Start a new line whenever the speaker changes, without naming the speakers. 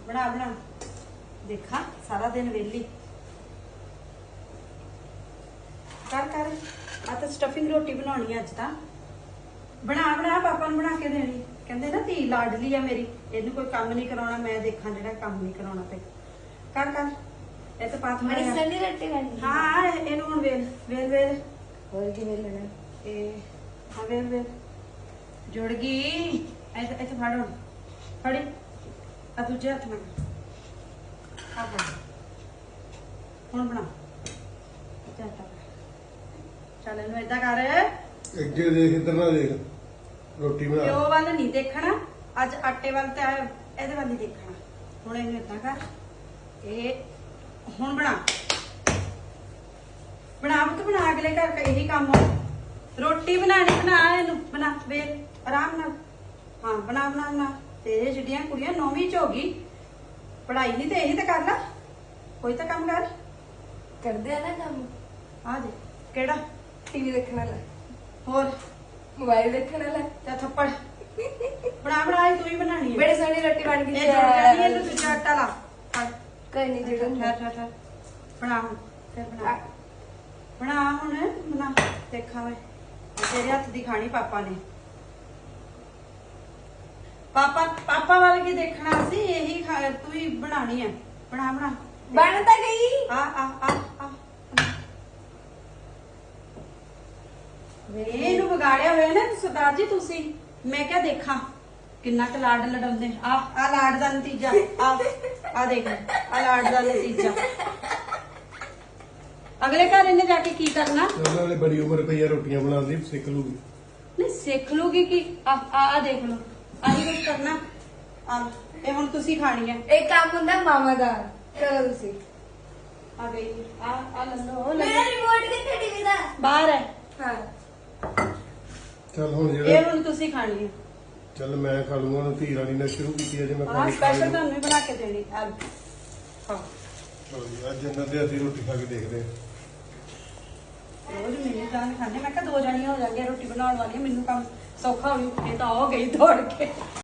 बना बना देखा सारा दिन वेली कर कर आ तो स्टफिंग रोटी बनानी अज ता बना बना पापा ने बना के देनी कहते ना धी लाडली है मेरी इनू कोई काम नहीं कराना मैं देखा जेड़ा काम नहीं कराना पे कर कर ए तो पात
बड़ी सनी रोटी बनी
हां इनू हुन वेल वेल वेल
और की वेल लेना
ए हां वेल वेल जुड़ गई ऐसे ऐसे फाड़ फड़ी आ दूजे हाथ में आ फड़ हुन बना चाटा चल इनू इदा कर
ਅੱਗੇ ਦੇਖ ਇੱਧਰ ਨਾ ਦੇਖ ਰੋਟੀ ਬਣਾ
ਪਿਓ ਵੱਲ ਨਹੀਂ ਦੇਖਣਾ ਅੱਜ ਆਟੇ ਵੱਲ ਤੇ ਇਹਦੇ ਵੱਲ ਹੀ ਦੇਖਣਾ ਹੁਣ ਇਹਨੂੰ ਇਦਾਂ ਕਰ ਇਹ ਹੁਣ ਬਣਾ ਬਣਾ ਬਤ ਬਣਾ ਅਗਲੇ ਘਰ ਦਾ ਇਹੀ ਕੰਮ ਆ ਰੋਟੀ ਬਣਾਣੀ ਬਣਾ ਇਹਨੂੰ ਬਣਾ ਵੇਲ ਆਰਾਮ ਨਾਲ ਹਾਂ ਬਣਾ ਬਣਾ ਬਣਾ ਤੇਰੇ ਜਿਹੜੀਆਂ ਕੁੜੀਆਂ 9ਵੀਂ ਚ ਹੋ ਗਈ ਪੜ੍ਹਾਈ ਨਹੀਂ ਤੇ ਇਹੀ ਤਾਂ ਕਰ ਲੈ ਕੋਈ ਤਾਂ ਕੰਮ ਕਰ
ਕਰਦੇ ਆ ਨਾ ਕੰਮ
ਆ ਜੇ ਕਿਹੜਾ
टीवी देखने वाला
ਹੋਰ
मोबाइल देखने वाला
ਤੇ ਥੱਪੜ ਬਣਾ ਬਣਾ ਇਹ ਤੂੰ ਹੀ ਬਣਾਣੀ ਹੈ
बड़ी सोनी रोटी बन गई
ਇਹ ਜੁੜ ਜਾਣੀ ਹੈ ਤੂੰ ਦੂਜਾ ਆਟਾ ਲਾ ਫੜ
कोई नहीं जुड़ूंगा
ਠਹਿਰ ਠਹਿਰ ਠਹਿਰ ਬਣਾ ਹੁਣ ਫਿਰ ਬਣਾ ਬਣਾ ਹੁਣ ਬਣਾ ਦੇਖਾਂ ਮੈਂ ਤੇਰੇ ਹੱਥ ਦੀ ਖਾਣੀ ਪਾਪਾ ਨੇ ਪਾਪਾ ਵੱਲ ਕੀ ਦੇਖਣਾ ਸੀ ਇਹੀ ਤੂੰ ਹੀ ਬਣਾਣੀ ਹੈ ਬਣਾ ਬਣਾ
बनता गई
ਆ ਇਹਨੂੰ ਵਿਗਾੜਿਆ ਹੋਇਆ ਨਾ ਸਰਦਾਰ ਜੀ ਤੁਸੀਂ ਮੈਂ ਕਿਹਾ ਦੇਖਾਂ ਕਿੰਨਾ ਕੁ ਲਾਡ ਲਡਾਉਂਦੇ ਆ ਲਾਡ ਦਾ ਨਤੀਜਾ ਆ ਦੇਖ ਆ ਲਾਡ ਦਾ ਨਤੀਜਾ ਅਗਲੇ ਘਰ ਇਹਨੇ ਜਾ ਕੇ ਕੀ ਕਰਨਾ
ਉਹਨਾਂ ਨੇ ਬੜੀ ਉਮਰ ਪਈ ਆ ਰੋਟੀਆਂ ਬਣਾਉਂਦੀ ਸਿੱਖ ਲੂਗੀ
ਨਹੀਂ ਸਿੱਖ ਲੂਗੀ ਕੀ ਆ ਦੇਖ ਲਓ ਆਹੀ ਕੁਝ ਕਰਨਾ ਆ ਇਹ ਹੁਣ ਤੁਸੀਂ ਖਾਣੀ ਹੈ
एक काम होता मामा दा करो तुसी
ਆ ਗਈ ਆ ਲੰਦੋ
मेरा रिमोट किथे टीवी दा
ਬਾਹਰ ਹੈ
हां
ਚੱਲ ਹੁਣ
ਇਹ
ਜਿਹੜਾ
ਹੁਣ ਤੁਸੀਂ ਖਾਣੀ ਹੈ
ਚੱਲ ਮੈਂ ਖਾ ਲੂੰਗਾ ਹੁਣ ਧੀ ਰਾਣੀ ਨੇ ਸ਼ੁਰੂ ਕੀਤੀ ਅਜੇ ਮੈਂ
ਆ
ਖਾਣੀ
ਸਪੈਸ਼ਲ ਤੁਹਾਨੂੰ ਵੀ ਬਣਾ ਕੇ ਦੇਣੀ ਆ ਹਾਂ
ਅੱਜ ਇਹਨਾਂ ਦੇ ਅਸੀਂ ਰੋਟੀ ਖਾ ਕੇ ਦੇਖਦੇ ਹਾਂ
ਰੋਜ਼ ਮੈਨੂੰ ਤਾਂ ਖਾਣੇ ਮੈਂ ਕਿਹਾ ਦੋ ਜਣੀਆਂ ਹੋ ਜਾਣਗੀਆਂ ਰੋਟੀ ਬਣਾਉਣ ਵਾਲੀਆਂ ਮੈਨੂੰ ਕੰਮ ਸੌਖਾ ਹੋਣੀ ਇਹ ਤਾਂ ਹੋ ਗਈ ਦੌੜ ਕੇ